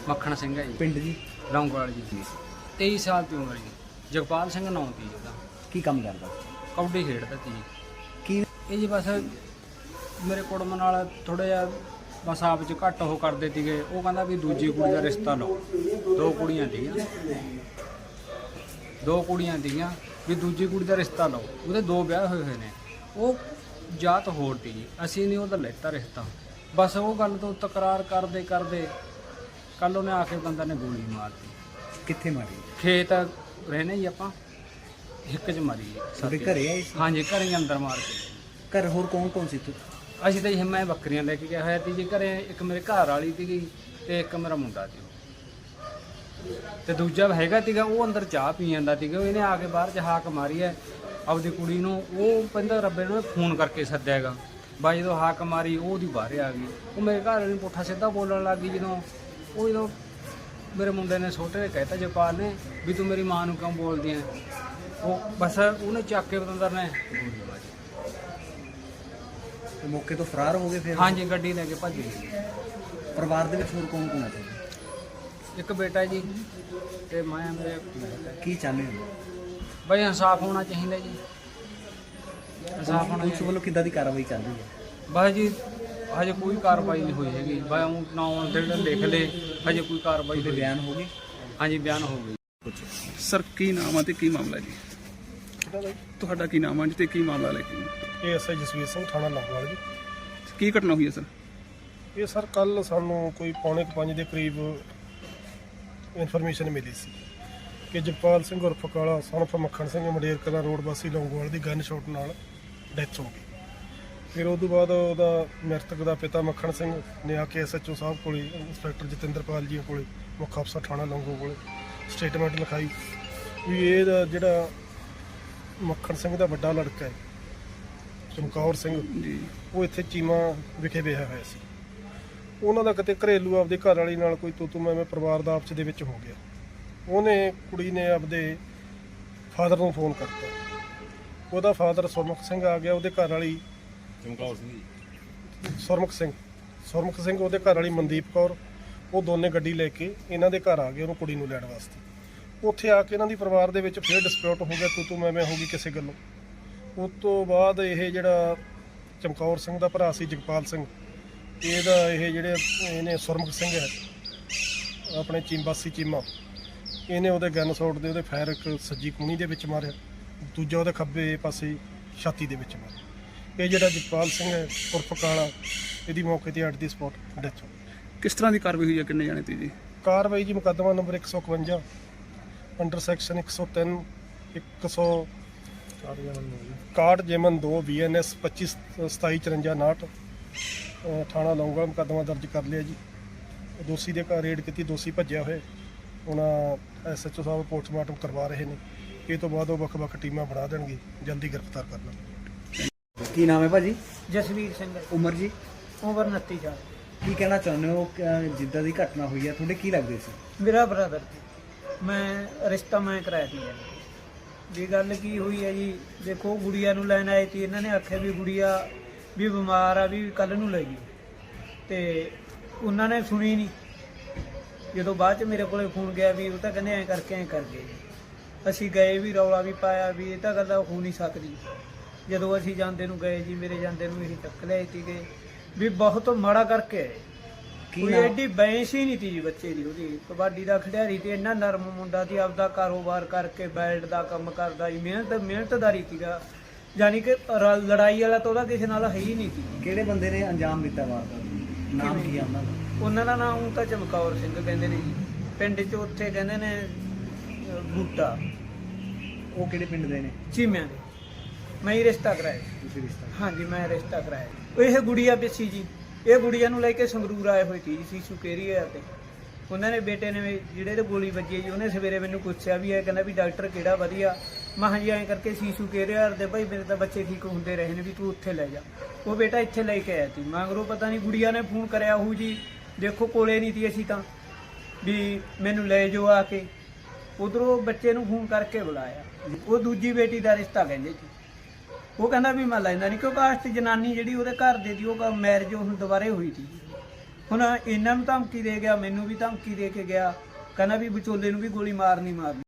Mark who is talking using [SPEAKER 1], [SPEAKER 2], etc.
[SPEAKER 1] ਮੱਖਣ ਸਿੰਘ ਹੈ ਜੀ।
[SPEAKER 2] ਪਿੰਡ ਜੀ?
[SPEAKER 1] ਲੌਂਗੋਵਾਲ ਜੀ। 23 ਸਾਲ ਦੀ ਉਮਰ ਜੀ। ਜਗਪਾਲ ਸਿੰਘ ਨਾਂ ਤੀ ਜੀ ਉਹਦਾ।
[SPEAKER 2] ਕੀ ਕੰਮ ਕਰਦਾ?
[SPEAKER 1] ਕਬੱਡੀ ਖੇਡਦਾ ਤੀ ਜੀ।
[SPEAKER 2] ਕੀ
[SPEAKER 1] ਇਹ ਜੀ ਬਸ ਮੇਰੇ ਕੁੜਮ ਨਾਲ ਥੋੜ੍ਹਾ ਜਿਹਾ ਬਸ ਆਪ 'ਚ ਘੱਟ ਉਹ ਕਰਦੇ ਸੀਗੇ। ਉਹ ਕਹਿੰਦਾ ਵੀ ਦੂਜੀ ਕੁੜੀ ਦਾ ਰਿਸ਼ਤਾ ਲਓ। ਦੋ ਕੁੜੀਆਂ ਸੀਗੀਆਂ ਵੀ ਦੂਜੀ ਕੁੜੀ ਦਾ ਰਿਸ਼ਤਾ ਲਓ। ਉਹਦੇ 2 ਵਿਆਹ ਹੋਏ ਨੇ। ਉਹ ਜਾਤ ਹੋਰ ਤੀ ਜੀ। ਅਸੀਂ ਨਹੀਂ ਉਹਦਾ ਲੈਤਾ ਰਿਸ਼ਤਾ। ਬਸ ਉਹ ਗੱਲ ਤੋਂ ਤਕਰਾਰ ਕਰਦੇ ਕੱਲ ਉਹਨੇ ਆ ਕੇ ਬੰਦਾ ਨੇ ਗੋਲੀ ਮਾਰਤੀ।
[SPEAKER 2] ਕਿੱਥੇ ਮਾਰੀ?
[SPEAKER 1] ਖੇਤ ਰਹਿੰਦੇ ਜੀ ਆਪਾਂ, ਹਿੱਕ 'ਚ ਮਾਰੀ ਜੀ।
[SPEAKER 2] ਸਾਡੇ ਘਰੇ ਆਏ ਸੀ?
[SPEAKER 1] ਹਾਂਜੀ, ਘਰੇ ਹੀ ਅੰਦਰ ਮਾਰ ਕੇ।
[SPEAKER 2] ਘਰ ਹੋਰ ਕੌਣ ਸੀ ਤੂੰ?
[SPEAKER 1] ਅਸੀਂ ਤਾਂ ਜੀ ਮੈਂ ਬੱਕਰੀਆਂ ਲੈ ਕੇ ਗਿਆ ਹੋਇਆ ਸੀ ਜੀ ਘਰੇ। ਇੱਕ ਮੇਰੇ ਘਰ ਵਾਲੀ ਸੀਗੀ ਤੇ ਇੱਕ ਮੇਰਾ ਮੁੰਡਾ ਸੀ ਤੇ ਦੂਜਾ ਹੈਗਾ ਸੀਗਾ। ਉਹ ਅੰਦਰ ਚਾਹ ਪੀ ਜਾਂਦਾ ਸੀਗਾ। ਇਹਨੇ ਆ ਕੇ ਬਾਹਰ 'ਚ ਹਾਕ ਮਾਰੀ ਹੈ ਆਪਦੀ ਕੁੜੀ ਨੂੰ। ਉਹ ਕਹਿੰਦਾ ਰੱਬੇ ਨੂੰ ਫੋਨ ਕਰਕੇ ਸੱਦਿਆ ਹੈਗਾ। ਬਾਈ ਜਦੋਂ ਹਾਕ ਮਾਰੀ ਉਹ ਉਹਦੀ ਬਾਹਰ ਆ ਗਈ। ਉਹ ਮੇਰੇ ਘਰ ਵਾਲੇ ਨੂੰ ਪੁੱਠਾ ਸਿੱਧਾ ਬੋਲਣ ਲੱਗ ਗਈ। ਜਦੋਂ ਮੇਰੇ ਮੁੰਡੇ ਨੇ ਛੋਟੇ ਨੇ ਕਹਿਤਾ ਜਗਪਾਲ ਨੇ ਵੀ ਤੂੰ ਮੇਰੀ ਮਾਂ ਨੂੰ ਕਿਉਂ ਬੋਲਦੀ ਐ। ਉਹ ਬਸ ਉਹਨੇ ਚੱਕ ਕੇ ਬਤੰਦਰ ਨੇ ਗੋਲੀ ਮਾਰੀ।
[SPEAKER 2] ਤੇ ਮੌਕੇ ਤੋਂ ਫਰਾਰ ਹੋ ਗਏ ਫਿਰ?
[SPEAKER 1] ਹਾਂਜੀ, ਗੱਡੀ ਲੈ ਕੇ ਭੱਜ ਗਏ।
[SPEAKER 2] ਪਰਿਵਾਰ ਦੇ ਵਿੱਚ ਹੋਰ ਕੌਣ ਹੈ?
[SPEAKER 1] ਇੱਕ ਬੇਟਾ ਜੀ ਤੇ ਮੈਂ ਮੇਰੇ।
[SPEAKER 2] ਕੀ ਚਾਹੁੰਦੇ ਹੋ?
[SPEAKER 1] ਬਈ ਇਨਸਾਫ ਹੋਣਾ ਚਾਹੀਦਾ ਜੀ। ਇਨਸਾਫ ਹੋਣਾ
[SPEAKER 2] ਪੁਲਿਸ ਵੱਲੋਂ ਕਿੱਦਾਂ ਦੀ ਕਾਰਵਾਈ ਚੱਲ ਰਹੀ ਹੈ?
[SPEAKER 1] ਬਸ ਜੀ ਹਜੇ ਕੋਈ ਕਾਰਵਾਈ ਨਹੀਂ ਹੋਈ ਹੈਗੀ। ਬਈ ਉਹ ਨਾਂ ਜਿਹੜੇ ਲਿਖ ਲਏ, ਹਜੇ ਕੋਈ ਕਾਰਵਾਈ
[SPEAKER 2] ਉਹਦੇ ਬਿਆਨ ਹੋ ਗਏ?
[SPEAKER 1] ਹਾਂਜੀ, ਬਿਆਨ ਹੋ ਗਈ।
[SPEAKER 3] ਸਰ ਕੀ ਨਾਮ ਆ ਤੇ ਕੀ ਮਾਮਲਾ ਜੀ? ਤੁਹਾਡਾ ਕੀ ਨਾਮ ਆ ਜੀ ਤੇ ਕੀ ਮਾਮਲਾ ਲੈ ਕੇ?
[SPEAKER 4] ਇਹ ਐਸਆਈ ਜਸਵੀਰ ਸਿੰਘ, ਥਾਣਾ ਲੌਂਗੋਵਾਲ ਜੀ।
[SPEAKER 3] ਕੀ ਘਟਨਾ ਹੋਈ ਹੈ ਸਰ?
[SPEAKER 4] ਇਹ ਸਰ ਕੱਲ ਸਾਨੂੰ ਕੋਈ 4:45 ਦੇ ਕਰੀਬ ਇਨਫੋਰਮੇਸ਼ਨ ਮਿਲੀ ਸੀ ਕਿ ਜਗਪਾਲ ਸਿੰਘ ਉਰਫ ਕਾਲਾ ਸਨਫ ਮੱਖਣ ਸਿੰਘ ਮੰਡੇਰ ਕਲਾ ਰੋਡ ਵਾਸੀ ਲੌਂਗੋਵਾਲ ਦੀ ਗਨ ਸ਼ਾਟ ਨਾਲ ਡੈਥ ਹੋ ਗਈ। ਫਿਰ ਉਸ ਤੋਂ ਬਾਅਦ ਉਹਦਾ ਮ੍ਰਿਤਕ ਦਾ ਪਿਤਾ ਮੱਖਣ ਸਿੰਘ ਨੇ ਆ ਕੇ ਐਸਐਚਓ ਸਾਹਿਬ ਕੋਲੇ, ਇੰਸਪੈਕਟਰ ਜਤਿੰਦਰਪਾਲ ਜੀ ਕੋਲੇ, ਮੁੱਖ ਅਫਸਰ ਥਾਣਾ ਲੌਂਗੋ ਕੋਲੇ ਸਟੇਟਮੈਂਟ ਲਿਖਾਈ ਵੀ ਇਹਦਾ ਜਿਹੜਾ ਮੱਖਣ ਸਿੰਘ ਦਾ ਵੱਡਾ ਲੜਕਾ ਹੈ ਚਮਕੌਰ ਸਿੰਘ
[SPEAKER 3] ਜੀ,
[SPEAKER 4] ਉਹ ਇੱਥੇ ਚੀਮਾ ਵਿਖੇ ਵਿਆਹਿਆ ਹੋਇਆ ਸੀ। ਉਹਨਾਂ ਦਾ ਕਿਤੇ ਘਰੇਲੂ ਆਪਦੇ ਘਰ ਵਾਲੀ ਨਾਲ ਕੋਈ ਤੂੰ ਮੈਂ ਪਰਿਵਾਰ ਦਾ ਆਪਸ ਦੇ ਵਿੱਚ ਹੋ ਗਿਆ। ਉਹਨੇ ਕੁੜੀ ਨੇ ਆਪਦੇ ਫਾਦਰ ਨੂੰ ਫੋਨ ਕਰਤਾ। ਉਹਦਾ ਫਾਦਰ ਸੁਰਮੁਖ ਸਿੰਘ ਆ ਗਿਆ। ਉਹਦੇ ਘਰ ਵਾਲੀ ਸੁਰਮੁਖ ਸਿੰਘ ਉਹਦੇ ਘਰ ਵਾਲੀ ਮਨਦੀਪ ਕੌਰ, ਉਹ ਦੋਨੇ ਗੱਡੀ ਲੈ ਕੇ ਇਹਨਾਂ ਦੇ ਘਰ ਆ ਗਏ ਉਹਨੂੰ ਕੁੜੀ ਨੂੰ ਲੈਣ ਵਾਸਤੇ। ਉੱਥੇ ਆ ਕੇ ਇਹਨਾਂ ਦੀ ਪਰਿਵਾਰ ਦੇ ਵਿੱਚ ਫਿਰ ਡਿਸਪਿਊਟ ਹੋ ਗਿਆ, ਤੂੰ ਮੈਂ ਹੋ ਗਈ ਕਿਸੇ ਗੱਲੋਂ। ਉਸ ਤੋਂ ਬਾਅਦ ਇਹ ਜਿਹੜਾ ਚਮਕੌਰ ਸਿੰਘ ਦਾ ਭਰਾ ਸੀ ਜਗਪਾਲ ਸਿੰਘ, ਇਹਨੇ ਸੁਰਮੁਖ ਸਿੰਘ ਹੈ ਆਪਣੇ ਚੀਮਾ, ਇਹਨੇ ਉਹਦੇ ਗਨ ਸ਼ਾਟ ਦੇ ਉਹਦੇ ਫਾਇਰ ਇੱਕ ਸੱਜੀ ਕੂਣੀ ਦੇ ਵਿੱਚ ਮਾਰਿਆ, ਦੂਜਾ ਉਹਦੇ ਖੱਬੇ ਪਾਸੇ ਛਾਤੀ ਦੇ ਵਿੱਚ ਮਾਰਿਆ। ਇਹ ਜਿਹੜਾ ਜਗਪਾਲ ਸਿੰਘ ਹੈ ਉਰਫ ਕਾਲਾ, ਇਹਦੀ ਮੌਕੇ ਤੇ ਅੱਡ ਦੀ ਸਪੌਟ ਡੈਥ ਹੋ ਗਈ।
[SPEAKER 3] ਕਿਸ ਤਰ੍ਹਾਂ ਦੀ ਕਾਰਵਾਈ ਹੋਈ ਹੈ? ਕਿੰਨੇ ਜਾਣੇ ਤੀ ਜੀ?
[SPEAKER 4] ਕਾਰਵਾਈ ਜੀ ਮੁਕੱਦਮਾ ਨੰਬਰ 151 ਅੰਡਰ ਸੈਕਸ਼ਨ 103 161 ਜੇਮਨ 2 BNS 25 2754 ਥਾਣਾ ਲੌਂਗੋਵਾਲ ਮੁਕੱਦਮਾ ਦਰਜ ਕਰ ਲਿਆ ਜੀ। ਦੋਸ਼ੀ ਦੇ ਘਰ ਰੇਡ ਕੀਤੀ, ਦੋਸ਼ੀ ਭੱਜਿਆ ਹੋਇਆ। ਉਹਨਾਂ ਐਸਐਚਓ ਸਾਹਿਬ ਪੋਸਟਮਾਰਟਮ ਕਰਵਾ ਰਹੇ ਨੇ। ਇਹ ਤੋਂ ਬਾਅਦ ਉਹ ਵੱਖ-ਵੱਖ ਟੀਮਾਂ ਬਣਾ ਦੇਣਗੇ, ਜਲਦੀ ਗ੍ਰਿਫਤਾਰ ਕਰ ਲਾਂਗੇ।
[SPEAKER 2] ਕੀ ਨਾਮ ਹੈ ਭਾਜੀ?
[SPEAKER 1] ਜਸਵੀਰ ਸਿੰਘ।
[SPEAKER 2] ਉਮਰ ਜੀ?
[SPEAKER 1] ਉਮਰ 29 ਸਾਲ।
[SPEAKER 2] ਕੀ ਕਹਿਣਾ ਚਾਹੁੰਦੇ ਹੋ ਜਿੱਦਾਂ ਦੀ ਘਟਨਾ ਹੋਈ ਹੈ? ਤੁਹਾਡੇ ਕੀ ਲੱਗਦੇ ਸੀ?
[SPEAKER 5] ਮੇਰਾ ਬ੍ਰਦਰ, ਮੈਂ ਰਿਸ਼ਤਾ ਕਰਾਇਆ ਸੀ ਜੀ। ਗੱਲ ਕੀ ਹੋਈ ਹੈ ਜੀ, ਦੇਖੋ ਗੁੜੀਆ ਨੂੰ ਲੈਣ ਆਏ ਸੀ। ਇਹਨਾਂ ਨੇ ਆਖਿਆ ਵੀ ਗੁੜੀਆ ਵੀ ਬਿਮਾਰ ਆ, ਵੀ ਕੱਲ ਨੂੰ ਲੈ ਗਈ, ਤੇ ਉਹਨਾਂ ਨੇ ਸੁਣੀ ਨਹੀਂ। ਜਦੋਂ ਬਾਅਦ ਚ ਮੇਰੇ ਕੋਲੇ ਫੋਨ ਗਿਆ ਵੀ ਉਹ ਤਾਂ ਕਹਿੰਦੇ ਐਂ ਕਰ ਗਏ। ਅਸੀਂ ਗਏ ਵੀ, ਰੌਲਾ ਵੀ ਪਾਇਆ ਵੀ ਇਹ ਤਾਂ ਗੱਲ ਹੋ ਨਹੀਂ ਸਕਦੀ। ਜਦੋਂ ਅਸੀਂ ਜਾਂਦੇ ਨੂੰ ਗਏ ਜੀ, ਮੇਰੇ ਜਾਂਦੇ ਨੂੰ ਅਸੀਂ ਚੱਕ ਲਿਆਏ ਸੀਗੇ ਵੀ ਬਹੁਤ ਮਾੜਾ ਕਰਕੇ ਆਏ। ਕੋਈ ਐਡੀ ਬੈਂਸ ਹੀ ਨਹੀਂ ਤੀ ਜੀ ਬੱਚੇ ਦੀ। ਉਹਦੀ ਕਬੱਡੀ ਦਾ ਖਿਡਾਰੀ ਤੇ ਇੰਨਾ ਨਰਮ ਮੁੰਡਾ ਸੀ, ਆਪਦਾ ਕਾਰੋਬਾਰ ਕਰਕੇ ਬੈਲਟ ਦਾ ਕੰਮ ਕਰਦਾ ਜੀ, ਮਿਹਨਤਦਾਰੀ ਸੀਗਾ। ਯਾਨੀ ਕਿ ਲੜਾਈ ਵਾਲਾ ਤਾਂ ਉਹਦਾ ਕਿਸੇ ਨਾਲ ਹੈ ਹੀ ਨਹੀਂ ਸੀ।
[SPEAKER 2] ਕਿਹੜੇ ਬੰਦੇ ਨੇ ਅੰਜਾਮ ਦਿੱਤਾ ਵਾਰਦਾਤ? ਨਾਮ ਕੀ ਆ ਉਹਨਾਂ ਦਾ?
[SPEAKER 5] ਉਹਨਾਂ ਦਾ ਨਾਮ ਤਾਂ ਚਮਕੌਰ ਸਿੰਘ ਕਹਿੰਦੇ ਨੇ ਜੀ। ਪਿੰਡ 'ਚ ਉੱਥੇ ਕਹਿੰਦੇ ਨੇ ਬੂਟਾ।
[SPEAKER 2] ਉਹ ਕਿਹੜੇ ਪਿੰਡ ਦੇ ਨੇ?
[SPEAKER 5] ਚੀਮਿਆਂ ਦੇ। ਮੈਂ ਹੀ ਰਿਸ਼ਤਾ ਕਰਾਇਆ।
[SPEAKER 2] ਤੁਸੀਂ ਰਿਸ਼ਤਾ?
[SPEAKER 5] ਹਾਂਜੀ, ਮੈਂ ਰਿਸ਼ਤਾ ਕਰਾਇਆ। ਇਹ ਗੁੜੀਆ ਪਿੱਛੀ ਜੀ, ਇਹ ਗੁੜੀਆ ਨੂੰ ਲੈ ਕੇ ਸੰਗਰੂਰ ਆਏ ਹੋਏ ਸੀ ਸੀਸੂ ਕੇਰੀਆ ਤੇ। ਉਹਨਾਂ ਨੇ ਬੇਟੇ ਨੇ ਜਿਹੜੇ ਤੇ ਗੋਲੀ ਵੱਜੀ ਜੀ, ਉਹਨੇ ਸਵੇਰੇ ਮੈਨੂੰ ਪੁੱਛਿਆ ਵੀ ਇਹ ਕਹਿੰਦਾ ਵੀ ਡਾਕਟਰ ਕਿਹੜਾ ਵਧੀਆ। ਮੈਂ ਹਾਂਜੀ ਐਂ ਕਰਕੇ ਸੀਸੂ ਕੇਰੀਆ ਦੇ ਭਾਈ ਮੇਰੇ ਤਾਂ ਬੱਚੇ ਠੀਕ ਹੁੰਦੇ ਰਹੇ ਨੇ, ਵੀ ਤੂੰ ਉੱਥੇ ਲੈ ਜਾ। ਉਹ ਬੇਟਾ ਇੱਥੇ ਲੈ ਕੇ ਆਇਆ ਸੀ। ਮਗਰੋਂ ਪਤਾ ਨਹੀਂ ਗੁੜੀਆ ਨੇ ਫੋਨ ਕਰਿਆ ਉਹ ਜੀ, ਦੇਖੋ ਕੋਲੇ ਨਹੀਂ ਸੀ ਅਸੀਂ ਤਾਂ, ਵੀ ਮੈਨੂੰ ਲੈ ਜਾਓ ਆ ਕੇ। ਉਧਰੋਂ ਬੱਚੇ ਨੂੰ ਫੋਨ ਕਰਕੇ ਬੁਲਾਇਆ। ਉਹ ਦੂਜੀ ਬੇਟੀ ਦਾ ਰਿਸ਼ਤਾ ਕਹਿੰਦੇ ਸੀ। ਉਹ ਕਹਿੰਦਾ ਵੀ ਮੈਂ ਲੈਂਦਾ ਨਹੀਂ, ਕਿਉਂਕਿ ਆਸਤ ਜਨਾਨੀ ਜਿਹੜੀ ਉਹਦੇ ਘਰ ਦੇ ਦੀ ਉਹ ਮੈਰਿਜ ਹੁਣ ਦੁਬਾਰੇ ਹੋਈ ਸੀ। ਹੁਣ ਇਹਨਾਂ ਨੂੰ ਧਮਕੀ ਦੇ ਗਿਆ, ਮੈਨੂੰ ਵੀ ਧਮਕੀ ਦੇ ਕੇ ਗਿਆ, ਕਹਿੰਦਾ ਵੀ ਵਿਚੋਲੇ ਨੂੰ ਵੀ ਗੋਲੀ ਮਾਰਨੀ।